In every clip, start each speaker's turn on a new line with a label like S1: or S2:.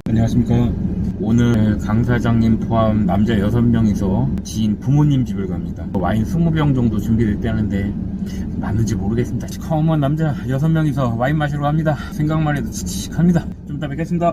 S1: 안녕하십니까. 오늘 강 사장님 포함 남자 6명이서 지인 부모님 집을 갑니다. 와인 20병 정도 준비됐다는데 맞는지 모르겠습니다. 시커먼 남자 6명이서 와인 마시러 갑니다. 생각만 해도 칙칙합니다. 좀 이따 뵙겠습니다.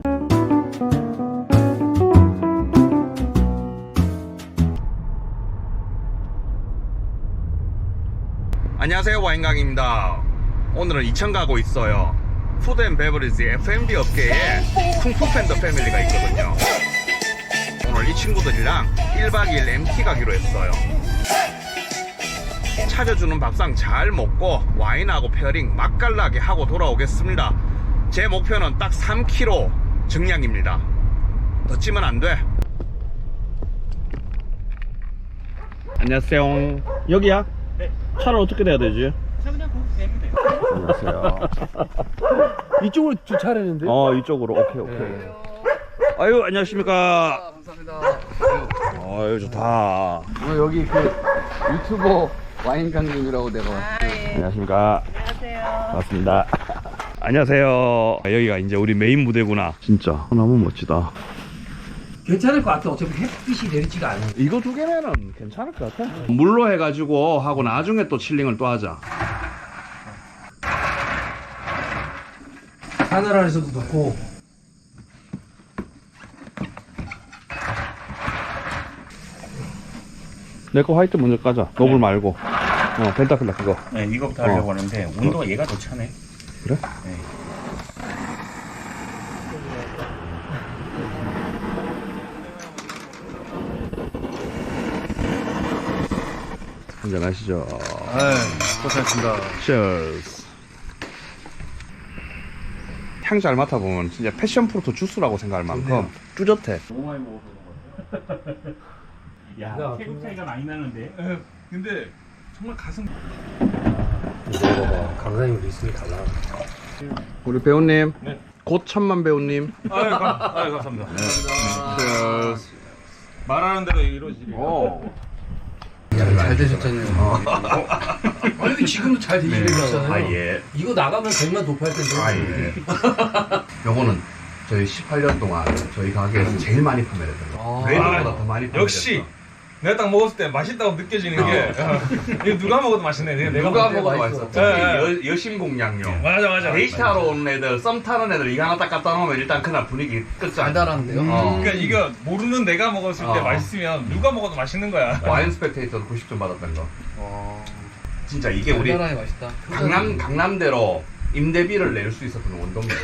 S2: 안녕하세요, 와인강입니다. 오늘은 이천 가고 있어요. 푸드 앤 베버리지 F&B 업계에 쿵푸 팬더 패밀리가 있거든요. 오늘 이 친구들이랑 1박 2일 MT 가기로 했어요. 차려주는 밥상 잘 먹고 와인하고 페어링 맛깔나게 하고 돌아오겠습니다. 제 목표는 딱 3kg 증량입니다. 더 찌면 안 돼. 안녕하세요. 여기야?
S1: 네.
S2: 차를 어떻게 돼야 되지?
S1: 그냥 거기 되면 돼요.
S2: 안녕하세요.
S3: 이쪽으로 주차하려는데?
S2: 이쪽으로. 오케이.
S3: 네.
S2: 아유, 안녕하십니까.
S3: 감사합니다.
S2: 아유, 좋다.
S3: 여기 그 유튜버 와인 강님이라고 내가
S2: 안녕하십니까. 안녕하세요. 반갑습니다. 안녕하세요. 여기가 이제 우리 메인 무대구나. 진짜 너무 멋지다.
S3: 괜찮을 것 같아. 어차피 햇빛이 내리지가 않아.
S2: 이거 두 개면은 괜찮을 것 같아. 물로 해가지고 하고 나중에 또 칠링을 또 하자.
S3: 하늘 아래서도 넣고.
S2: 내 거 화이트 먼저 까자. 노블 말고. 펜타클라 그거.
S1: 네, 이거부터 하려고 하는데 온도가 얘가 더 차네.
S2: 그래?
S1: 네.
S2: 한잔 하시죠.
S3: 고생하셨습니다.
S2: Cheers. 향 잘 맡아보면 진짜 패션 프루트 주스라고 생각할 만큼 쭈젓해.
S1: 너무 많이 먹어서 그런 것 같아. 야, 체급 차이가 많이 나는데.
S4: 근데 정말 가슴
S3: 먹어봐. 강사님 리스이 달라.
S2: 우리 배우님.
S4: 네.
S2: 곧 천만 배우님.
S4: 아유 감사합니다.
S2: Cheers.
S4: 말하는 대로 이루어지리.
S3: 잘 되셨잖아요. 아니 지금도 잘 되시잖아요.
S2: 예.
S3: 이거 나가면 100만 도파할 텐데.
S2: 요거는 저희 18년 동안 저희 가게에서 제일 많이 판매했던 거. 레드보다 더 많이 판매했어.
S4: 역시 내가 딱 먹었을 때 맛있다고 느껴지는 게 이거 누가 먹어도 맛있네. 내가
S2: 누가
S4: 먹을 때
S2: 먹어도
S3: 맛있어.
S2: 맛있어. 여신공 양념.
S4: 맞아.
S2: 데이트하러 오는 애들, 썸 타는 애들 이거 하나 딱 갖다 놓으면 일단 그날 분위기 끝장.
S3: 달달한데요?
S4: 그러니까 이거 모르는 내가 먹었을 때
S2: 어.
S4: 맛있으면 누가 먹어도 맛있는 거야.
S2: 와인 스펙테이터도 90점 받았던 거. 진짜 이게 우리
S3: 달달하게 맛있다.
S2: 강남대로 임대비를 낼 수 있었던 원동력.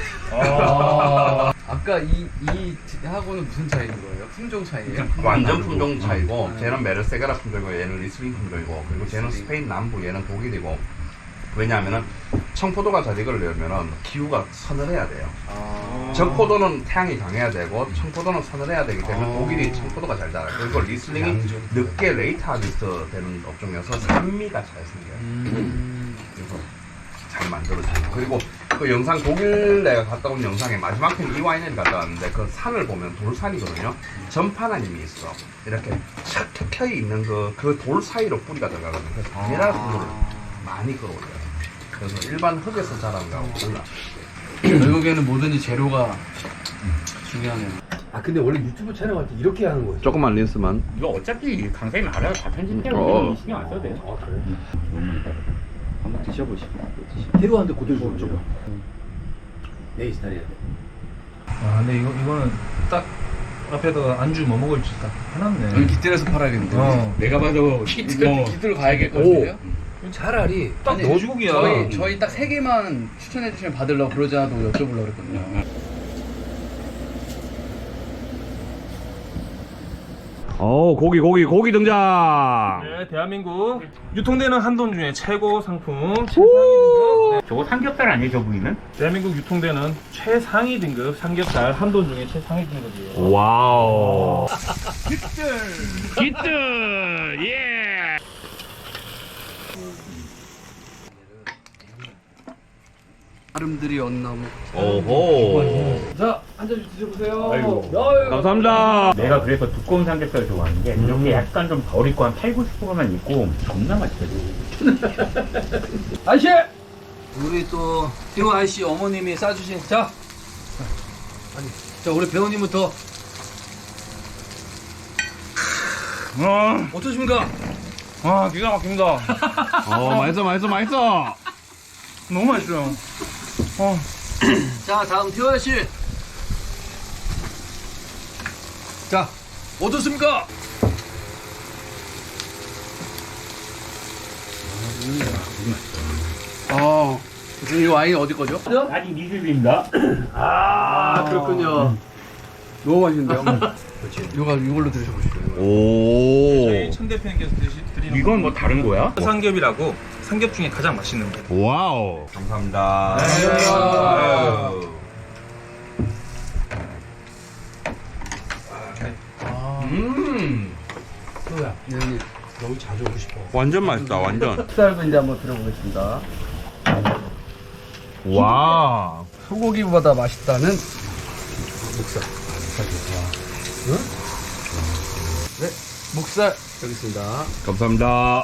S3: 아까 이 하고는 무슨 차이인 거예요? 품종 차이예요?
S2: 완전 품종 차이고, 쟤는 메르세가라 품종이고, 얘는 리슬링 품종이고, 그리고 쟤는 스페인 남부, 얘는 독일이고. 왜냐하면은 청포도가 잘 익으려면은 기후가 서늘해야 돼요. 적포도는 태양이 강해야 되고, 청포도는 서늘해야 되기 때문에 독일이 청포도가 잘 자라요. 그리고 리슬링이 늦게 레이트 하비스트 되는 업종이어서 산미가 잘 생겨요. 그래서 잘 만들어져요. 그리고 그 영상 독일 내가 갔다 온 영상에 마지막 편 이 와인을 갔다 왔는데 그 산을 보면 돌산이거든요. 전파나 힘이 있어. 이렇게 착 켜켜 있는 그 돌 사이로 뿌리가 들어가거든요. 그래서 미네랄 분을 많이 끌어올려요. 그래서 일반 흙에서 자란 거하고 달라.
S3: 결국에는 뭐든지 재료가 중요하네요. 아 근데 원래 유튜브 촬영할 때 이렇게 하는 거예요?
S2: 조금만 린스만.
S1: 이거 어차피 강사님 알아서 다 편집되고 신경 안 써도 돼요.
S3: 아 그래요?
S1: 한번 드셔보시고.
S3: 해로한데 그대로 먹죠. 내 스타일이야.
S4: 아 근데 이거는 딱 앞에다가 안주 뭐 먹을지 딱 해놨네.
S3: 기틀에서 팔아야겠는데.
S1: 내가 봐도
S3: 기틀 가야겠거든요. 차라리
S4: 딱
S3: 아니,
S4: 너죽이야.
S3: 저희 딱 3개만 추천해 주시면 받으려고 그러지 않아도 여쭤보려고 그랬거든요.
S2: 고기 등장.
S4: 네, 대한민국 유통되는 한돈 중에 최고 상품 최상위 등급.
S1: 저거 삼겹살 아니에요, 저 부위는?
S4: 대한민국 유통되는 최상위 등급 삼겹살 한돈 중에 최상위 등급이에요.
S2: 와우.
S1: 기트! 예!
S3: 아름드리 언나무.
S2: 오호.
S3: 자, 한 잔씩 드셔보세요.
S1: 아이고.
S2: 감사합니다.
S1: 내가 그래서 두꺼운 삼겹살 좋아하는 게 이렇게 약간 좀 덜 익고 한 8, 90%만 익고 존나 맛있거든.
S3: 아저씨! 우리 또 티오 아저씨 어머님이 싸주신 자 자, 우리 배우님부터 어떠십니까?
S4: 기가 막힙니다.
S2: 맛있어.
S4: 너무 맛있어요.
S3: 자, 다음 태호야 씨. 자, 어떻습니까? 이 와인 어디 거죠?
S1: 아직 미술입니다.
S3: 아, 그렇군요. 너무 맛있는데요? 그렇지. 이걸로 드셔보시죠.
S2: 오.
S4: 저희 천 대표님께서 드리는
S1: 이건 뭐 다른 거야?
S4: 삼겹이라고 삼겹 중에 가장 맛있는 거.
S2: 와우. 감사합니다.
S3: 아유. 태호야, 여기 자주 오고 싶어.
S2: 완전 맛있다. 완전.
S3: 흑살도 이제 한번 들어보겠습니다.
S1: 와.
S3: 소고기보다 맛있다는 목살. 응? 네, 목살 여기 있습니다.
S2: 감사합니다.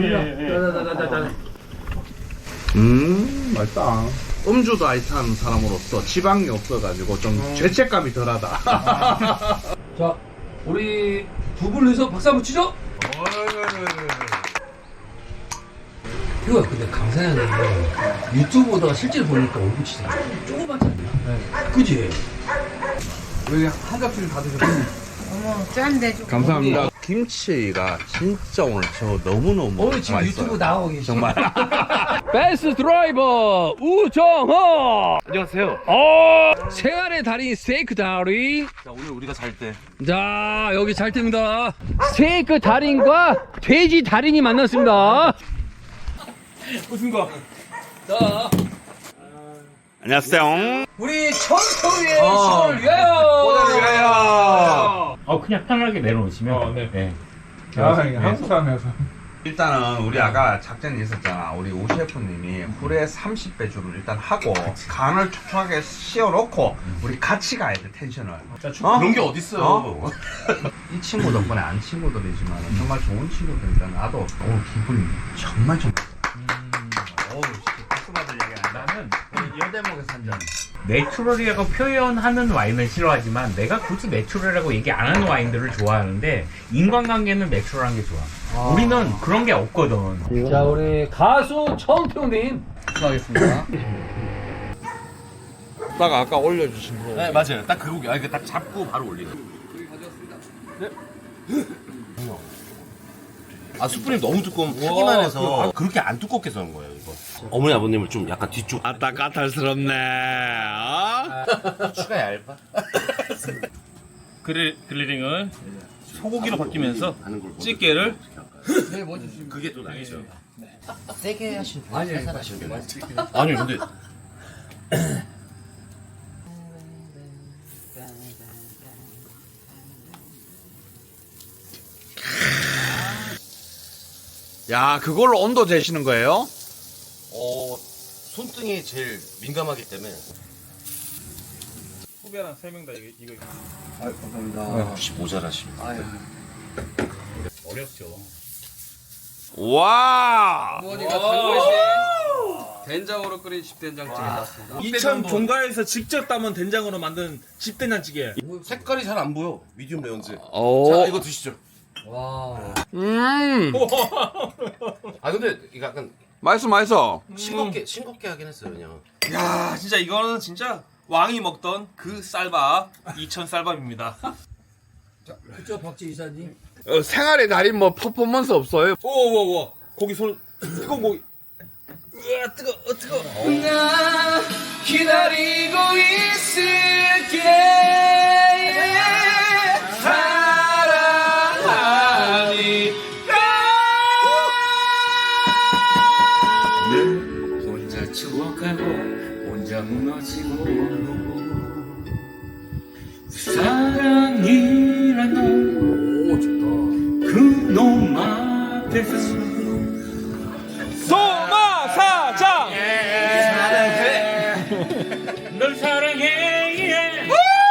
S2: 맛있다. 음주도 아이탄 사람으로서 지방이 없어가지고 좀 죄책감이 덜하다.
S3: 자, 우리 두 분이서 박수 한번 치죠. 이거 근데 강사양이 유튜브보다 실제로 보니까 얼굴 진짜 조그맣지 않냐? 네. 그지? 왜 한갑줄 다 드셨어요?
S5: 어머 짠데 좀.
S2: 감사합니다. 김치가 진짜 오늘 저 너무너무
S3: 오늘 지금
S2: 맛있어요.
S3: 유튜브 나오고 계시죠?
S2: 정말.
S3: 베스트 드라이버 우정호. 안녕하세요. 생활의 달인 스테이크 달인.
S4: 자, 오늘 우리가 잘 때.
S3: 자, 여기 잘 됩니다. 스테이크 달인과 돼지 달인이 만났습니다.
S4: 무슨가?
S3: 자,
S2: 안녕하세요.
S3: 우리 청소의 시간을 위하여.
S1: 그냥 편하게 내려놓으시면.
S4: 네.
S1: 네.
S4: 한국 사람이어서.
S2: 일단은 우리 아까 작전이 있었잖아. 우리 오 셰프님이 굴에 30배주를 일단 하고 간을 촉촉하게 씌워놓고 우리 같이 가야 돼 텐션을.
S6: 그런 게 어딨어요.
S2: 이 친구 덕분에 안 친구들이지만 정말 좋은 친구들이니까 나도 오늘 기분이 정말 어우 박수 받을 얘기야.
S1: 나는
S2: 여대목에서 한 잔.
S1: 내추럴이라고 표현하는 와인은 싫어하지만 내가 굳이 내추럴이라고 얘기 안 하는 와인들을 좋아하는데 인간관계는 내추럴한 게 좋아. 우리는 그런 게 없거든.
S3: 자, 우리 가수 청평님 수고하겠습니다.
S2: 딱 아까 올려주신 거.
S6: 네, 맞아요. 딱 그 고기. 아니, 딱 잡고 바로 올리는. 아, 숯불이 너무 두껍기만 해서 그렇게 안 두껍게 써는 거예요, 이거. 어머니, 아버님을 좀 약간 뒤쪽.
S2: 아따 까탈스럽네.
S6: 추가 얇아?
S4: 그릴링을 소고기로 바뀌면서 찌개를
S6: 그게 또 나이죠.
S5: 세게 하시는 분.
S3: 아니,
S6: 아니, 근데.
S2: 야 그걸로 온도 재시는 거예요?
S6: 손등이 제일 민감하기 때문에.
S4: 후배랑 3명 다 이거.
S3: 아유, 감사합니다.
S6: 혹시 모자라십니까?
S3: 아유.
S1: 어렵죠.
S2: 와.
S3: 부모님과 단골신 된장으로 끓인 집된장찌개 나왔습니다.
S4: 이천 종가에서 직접 담은 된장으로 만든 집된장찌개.
S6: 색깔이 잘 안 보여. 미디움 레온즈.
S2: 오.
S6: 자, 이거 드시죠.
S3: 와.
S6: 아, 근데 이거 약간
S2: 맛있어.
S6: 싱겁게 하긴 했어요, 그냥.
S4: 야, 진짜 이거는 진짜 왕이 먹던 그 쌀밥, 이천 쌀밥입니다.
S3: 자, 그쵸, 박지 이사님.
S2: 생활의 달인 뭐 퍼포먼스 없어요?
S4: 오, 고기 손 뜨거운 고기. 으아, 뜨거.
S3: 나 기다리고 있을게.
S1: 혼자 추억하고 혼자 무너지고 사랑이란 그놈 앞에서
S4: 소마사장.
S1: 널 사랑해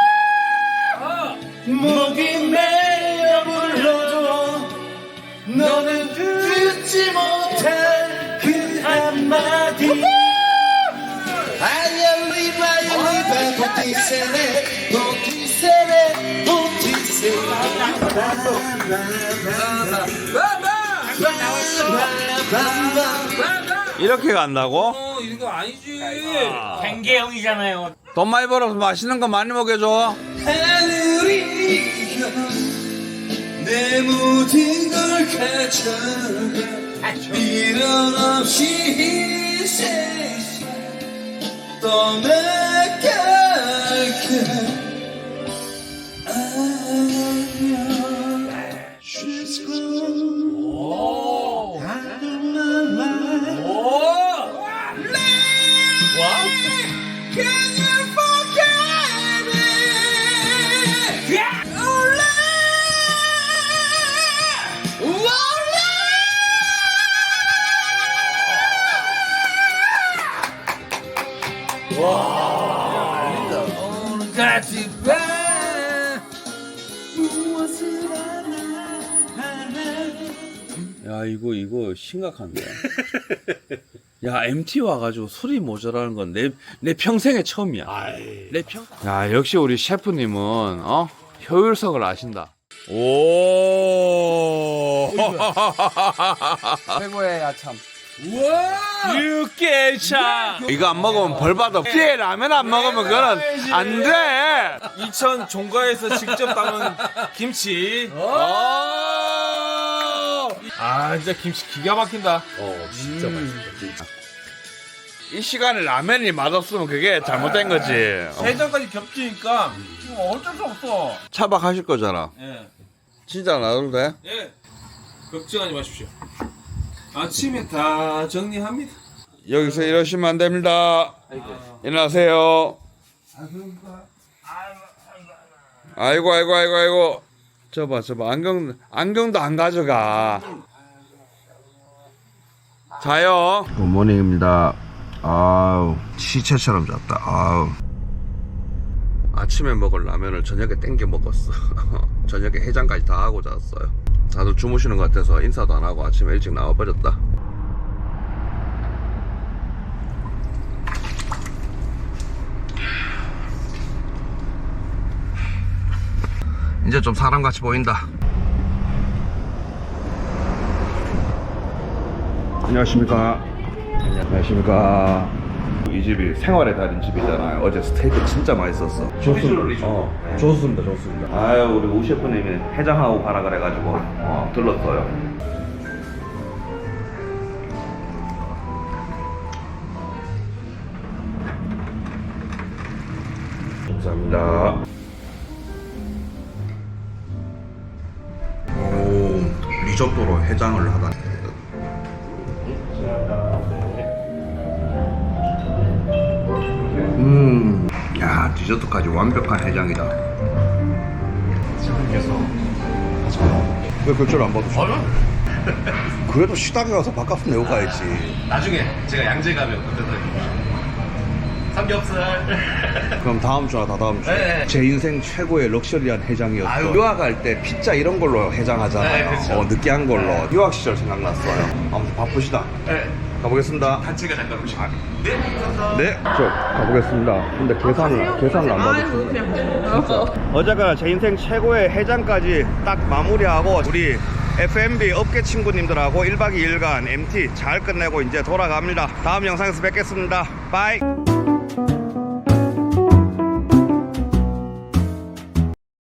S6: 목이 메어 불러도 너는 듣지 못한 그 한마디 I am live, I am live, I am live,
S2: 이렇게 간다고?
S3: 이거 아니지.
S1: 뱅개형이잖아요.
S2: 돈 많이 벌어서 맛있는 거 많이 먹여줘.
S3: 내 모든 걸 가져가 미련 없이 이 세상 떠나갈게. 안녕. She's gone. Out of my life. Can you forget me?
S2: 야 이거 심각한데. 야 MT 와가지고 술이 모자라는 건 내 평생에 처음이야. 내 평. 야 역시 우리 셰프님은 효율성을 아신다. 오.
S3: 최고의 야참.
S2: 육개차. 이거 안 먹으면 벌 받아. 뒤에 라면 안 먹으면 그건 안 돼.
S4: 이천 종가에서 직접 담은 김치. 아 진짜 김치 기가 막힌다.
S6: 진짜 맛있다.
S2: 이 시간에 라면이 맛없으면 그게 잘못된 거지.
S4: 해장까지 겹치니까 이거 어쩔 수 없어.
S2: 차박하실 거잖아.
S4: 예.
S2: 진짜 놔둬도 돼?
S4: 예. 걱정하지 마십시오. 아침에 다 정리합니다.
S2: 여기서 이러시면 안 됩니다. 일어나세요. 아이고. 저봐. 안경도 안 가져가. 자요. 굿모닝입니다. 아우, 시체처럼 잤다. 아우. 아침에 먹을 라면을 저녁에 땡겨 먹었어. 저녁에 해장까지 다 하고 잤어요. 다들 주무시는 것 같아서 인사도 안 하고 아침에 일찍 나와버렸다. 이제 좀 사람같이 보인다. 안녕하십니까. 이 집이 생활의 달인 집이잖아요. 어제 스테이크 진짜 맛있었어. 좋습니다. 좋습니다. 아유, 우리 우 셰프님이 해장하고 가라 그래가지고 들렀어요. 감사합니다. 오, 리조또로 해장을 하다니. 야, 디저트까지 완벽한 해장이다. 왜 별줄 안 받으셔? 그래도 식당에 가서 밥값은 내고 가야지.
S6: 나중에 제가 양재 가면 그때도 삼겹살.
S2: 그럼 다음 주나 다다음 주에.
S6: 네.
S2: 제 인생 최고의 럭셔리한 해장이었어. 유학 갈 때 피자 이런 걸로 해장하잖아요.
S6: 네, 그쵸.
S2: 느끼한 걸로. 유학 시절 생각났어요. 아무튼 바쁘시다.
S6: 네.
S2: 가보겠습니다.
S6: 단체가 잠깐 오시고. 네, 감사합니다.
S2: 네, 저 가보겠습니다. 근데 계산을 안 받으시네. 어쨌거나 제 인생 최고의 해장까지 딱 마무리하고 우리 F&B 업계 친구님들하고 1박 2일간 MT 잘 끝내고 이제 돌아갑니다. 다음 영상에서 뵙겠습니다. 바이.